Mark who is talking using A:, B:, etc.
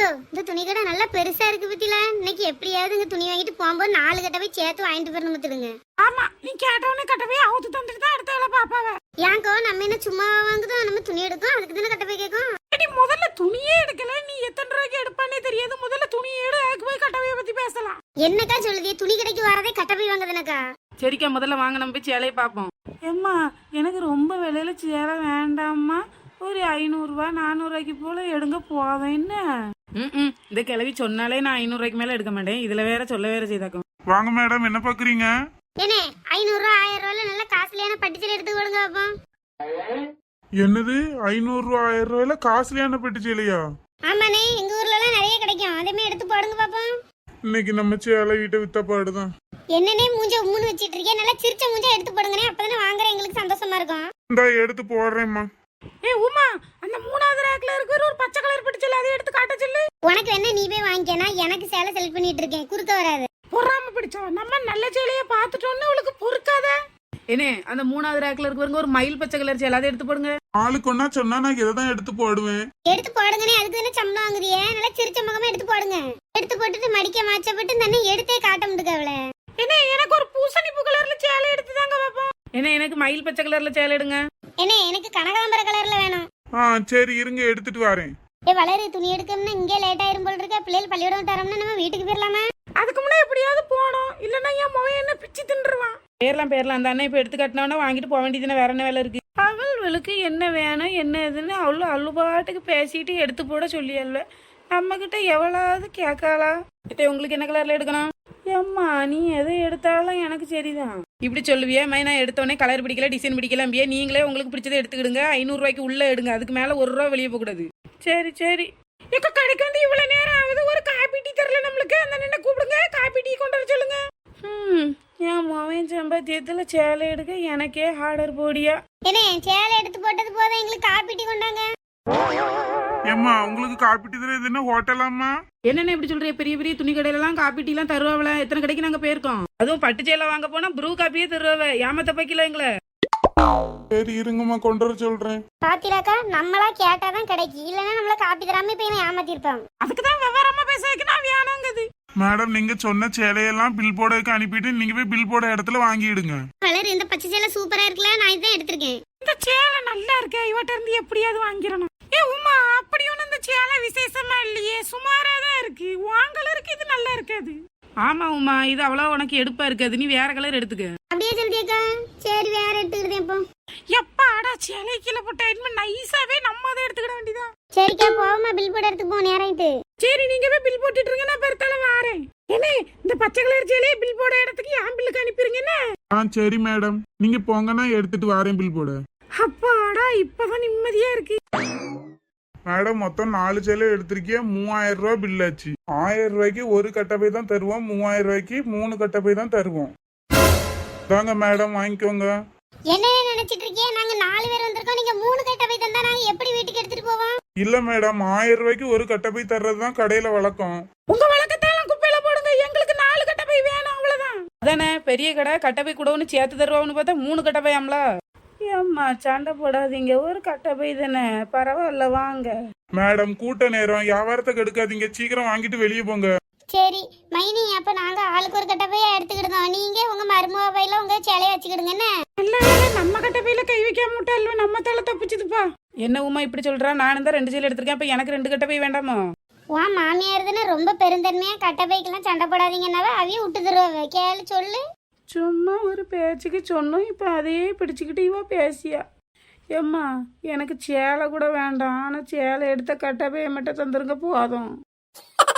A: இந்த துணி கடை நல்லா பெருசா இருக்கு பத்தில. இன்னைக்கு எப்படியாவது இங்க துணி வாங்கிட்டு போகும்போது 4 கட்டவே சேர்த்து வாங்கிட்டு போறணும் பத்துடுங்க.
B: ஆமா, நீ கேட்டவனே கட்டவே அவுத்து தந்துட்டு தான் அடுத்த வேலை பாப்பாவ.
A: ஏன்க்கோ நம்ம என்ன சும்மா வாங்குதோம், நம்ம துணி எடுக்கும் அதுக்கு தானே கட்டவே கேட்கும்.
B: நீ முதல்ல துணியே எடுக்கல, நீ எத்தனை ரூபாய்க்கு எடுப்பானே தெரியாது. முதல்ல துணி எடு, அதுக்கு போய் கட்டவைய பத்தி பேசலாம்.
A: என்னக்கா சொல்லுதிய, துணி கடைக்கு வரதே கட்டவே வாங்குதுனக்கா.
B: சரிக்கா, முதல்ல வாங்க நம்ம போய் சேலையை பார்ப்போம். ஏம்மா, எனக்கு ரொம்ப விலையில சேலை வேண்டாம்மா, ஒரு 500 ரூபாய் 400 ரூபாய்க்கு போல எடுங்க போதும். என்ன இந்த கிளவி சொன்னாலே நான் 500 ரூபாய்க்கு மேல எடுக்க மாட்டேன். இதுல வேற சொல்ல வேற செய்தாக்கும்.
C: வாங்க மேடம், என்ன பாக்குறீங்க?
A: ஏனே 500 ரூபா 1000 ரூபாய்ல நல்ல காஸ்ட்லியான பட்டுச்சேலை எடுத்து கொடுங்க பாப்போம்.
C: என்னது 500 ரூபா 1000 ரூபாயில காஸ்ட்லியான பெட்டு சேலையா?
A: ஆமாண்ணே, எங்க ஊர்ல எல்லாம் நிறைய கிடைக்கும், அதேமே எடுத்து போடுங்க பாப்போம்.
C: இன்னைக்கு நம்ம சேலை வீட்டை வித்த பாடுதான்.
A: என்னன்னே மூஞ்ச உம்முன்னு வச்சிட்டு இருக்கேன், நல்லா சிரிச்ச மூஞ்ச எடுத்து போடுங்கனே, அப்பதானே வாங்குற எங்களுக்கு சந்தோஷமா இருக்கும்.
C: இந்தா எடுத்து போடுறேம்மா.
B: உமா, அந்த 3வது ரேக்ல இருக்கிற ஒரு பச்சை கலர் பட்டுச்சேலை அதை எடுத்து காட்ட சொல்லு.
A: உனக்கு என்ன நீ போய் வாங்கிக்கனா, எனக்கு சேலை செலக்ட் பண்ணிட்டு இருக்கேன், குறுக்க வராது.
B: பொறாம பிடிச்சா நம்ம நல்ல சேலைய பாத்துட்டோம்னு அவளுக்கு பொறுக்காத. என்ன அந்த 3வது ரேக்ல இருக்கிறவங்க ஒரு மயில் பச்சை கலர் சேலை அதை எடுத்து போடுங்க.
C: ஆளுக்கு ஒன்னா சொன்னா நான் இதைதான் எடுத்து போடுவேன்.
A: எடுத்து போடுங்கனே, அதுக்கு தானே சம்பளம் வாங்குறியே, நல்லா சிரிச்ச முகமா எடுத்து போடுங்க. எடுத்து போட்டுட்டு மடிக்க மாச்சப்பட்டு தானே எடுத்தே காட்ட முடியுது அவளை.
B: என்ன எனக்கு ஒரு பூசணி பூ கலர்ல சேலை எடுத்து தாங்க பாப்போம். என்ன எனக்கு மயில் பச்சை கலர்ல சேலை எடுங்க.
A: என்ன எனக்கு கனகாம்பர கலர்ல வேணும்.
C: சரி இருங்க, எடுத்துட்டு வரேன்.
A: வளரு, துணி எடுக்கணும்னா இங்கே லேட் ஆயிரும் போல இருக்க. பிள்ளைகள் பள்ளியோட தரோம்னா நம்ம வீட்டுக்கு போயிடலாமா?
B: அதுக்கு முன்னாடி எப்படியாவது போனோம், இல்லன்னா என் மகன் என்ன பிச்சு தின்றுவான். பேரலாம் அந்த அண்ணன் இப்ப எடுத்து கட்டினவனா வாங்கிட்டு போக வேண்டியதுன்னு வேற என்ன வேலை இருக்கு? அவளுக்கு என்ன வேணும் என்ன எதுன்னு அவ்வளோ அள்ளுபாட்டுக்கு பேசிட்டு எடுத்து போட சொல்லியல்ல. நம்ம கிட்ட எவ்வளவு கேட்காளா? உங்களுக்கு என்ன கலர்ல எடுக்கணும்? ஏம்மா, நீ எதை எடுத்தாலும் எனக்கு சரிதான். இப்படி சொல்லுவியே மை, நான் எடுத்தோடனே கலர் பிடிக்கல டிசைன் பிடிக்கல, நீங்களே உங்களுக்கு பிடிச்சதை எடுத்துக்கிடுங்க. 500 ரூபாய்க்கு உள்ள எடுங்க, அதுக்கு மேல 1 ரூபா வெளியே போக கூடாது. சரி சரி. எங்க கடைக்கு வந்து இவ்வளவு நேரம் ஆகுது, ஒரு காபி டீ தரல நம்மளுக்கு. அந்த நின்று கூப்பிடுங்க, காபி டீ கொண்டு வர சொல்லுங்க. என் மவன் சம்பாத்தியத்துல சேலை எடுக்க எனக்கே ஆர்டர் போடியா.
A: என்ன சேலை எடுத்து போட்டது போதும், எங்களுக்கு காப்பி டீ கொண்டாங்க.
C: ஏம்மா, உங்களுக்கு காப்பி டீ தர இது என்ன ஹோட்டலாமா?
B: என்னென்ன இப்படி சொல்றீங்க? பெரிய பெரிய துணி கடையில எல்லாம் காப்பி டீ எல்லாம் தருவாங்கள? எத்தனை கடைக்கு நாங்க போயிருக்கோம். அதுவும் பட்டு சேலை வாங்க போனா ப்ரூ காப்பியே தருவாவ. ஏமாத்த பைக்கல எங்களை.
C: சரி இருங்கம்மா, கொண்டு வர சொல்றேன்.
A: பாத்திராக்கா, நம்மளா கேட்டாதான் கிடைக்கும், இல்லன்னா நம்மள காப்பி தராம இப்ப ஏமாத்திருப்பாங்க.
B: அதுக்குதான் விவரமா பேச வைக்க நான் வேணாங்குது.
C: மேடம், நீங்க சொன்ன சேலையெல்லாம் பில் போர்டுக்கு அனுப்பிட்டு நீங்க போய் பில் போர்டு இடத்துல வாங்கிடுங்க.
A: வளர், இந்த பச்சை சேலை சூப்பரா இருக்குல்ல, நான் இதான் எடுத்திருக்கேன்.
B: இந்த சேலை நல்லா இருக்கு, இவட்ட இருந்து எப்படியாவது வாங்கிடணும். உமா, அப்படி ஒண்ணு இந்த சேலை விசேஷமா இல்லையே, சுமாரா தான் இருக்கு. உன் கலருக்கு இது நல்லா இருக்காது. ஆமா உமா, இது அவ்வளவு உனக்கு எடுப்பா இருக்காது, நீ வேற கலர் எடுத்துக்க.
A: அப்படியே சொல்லியக்கா, சரி வேற எடுத்துக்கிட்டேன். இப்போ
B: எப்பாடா சேலை கீழே போட்ட இனிமே நைஸாவே நம்ம அதை எடுத்துக்கிட வேண்டியதான்.
A: சரிக்கா, போவோமா, பில் போட எடுத்துக்கு போ, நேராயிட்டு.
B: சரி, நீங்க போய் பில் போட்டுட்டு இருங்க, நான் பெருத்தால வாரேன். என்ன இந்த பச்சை கலர் சேலையை பில் போட இடத்துக்கு என் பில்லுக்கு அனுப்பிடுங்க. என்ன
C: சரி மேடம், நீங்க போங்க, நான் எடுத்துட்டு வரேன் பில் போட.
B: அப்பாடா, இப்பதான் நிம்மதியா இருக்கு.
C: மேடம், மொத்தம் 4 சேலை எடுத்திருக்கேன், 3000 ரூபாய் பில் ஆச்சு. 1000 ரூபாய்க்கு ஒரு கட்டப்பை தான் தருவோம், 3000 ரூபாய்க்கு 3 கட்டப்பை தான் தருவோம். தாங்க மேடம், வாங்கிக்கோங்க.
A: என்ன நினைச்சிட்டு இருக்கீங்க? நாங்க 4 பேர் வந்திருக்கோம், நீங்க 3 கட்டப்பை தந்தா நாங்க எப்படி வீட்டுக்கு எடுத்துட்டு போவோம்?
C: இல்ல மேடம், 1000 ரூபாய்க்கு ஒரு கட்டப்பை தர்றதுதான் கடையில வழக்கம்.
B: உங்க வழக்கத்தாலும் குப்பையில போடுங்க, எங்களுக்கு 4 கட்டப்பை வேணும், அவ்வளவுதான். அதானே பெரிய கடை, கட்டப்பை கூட ஒன்று சேர்த்து தருவான்னு பார்த்தா 3 கட்டப்பையாம்ல. ஏம்மா சண்டை போடாதீங்க, ஒரு கட்டப்பை தானே, பரவாயில்ல வாங்க.
C: மேடம், கூட்ட நேரம், வியாபாரத்தை கெடுக்காதீங்க, சீக்கிரம் வாங்கிட்டு வெளியே போங்க.
A: சரி மைனி, அப்ப நாங்க ஆளுக்கு ஒரு கட்டப்பையா எடுத்துக்கிடுதோம், நீங்க உங்க மருமக பையில உங்க சேலைய வச்சுக்கிடுங்க. என்ன
B: இல்ல, நம்ம கட்டப்பையில கை வைக்காம விட்டால நம்ம தலை தப்பிச்சுதுப்பா. என்ன உமா இப்படி சொல்றா? நானும் தான் 2 சேலை எடுத்திருக்கேன், அப்ப எனக்கு 2 கட்டப்பை வேண்டாமா?
A: வா, மாமியார் தானே ரொம்ப பெருந்தன்மையா கட்டப்பைக்கெல்லாம் சண்டை போடாதீங்கன்னாவே அவையும் விட்டு தருவாங்க. கேளு, சொல்லு.
B: சும்மா ஒரு பேச்சுக்கு சொன்னோம், இப்போ அதையே பிடிச்சிக்கிட்டு இவா பேசியா. ஏம்மா, எனக்கு சேலை கூட வேண்டாம், ஆனால் சேலை எடுத்த கட்டப்பையை மட்டும் தந்துருங்க போதும்.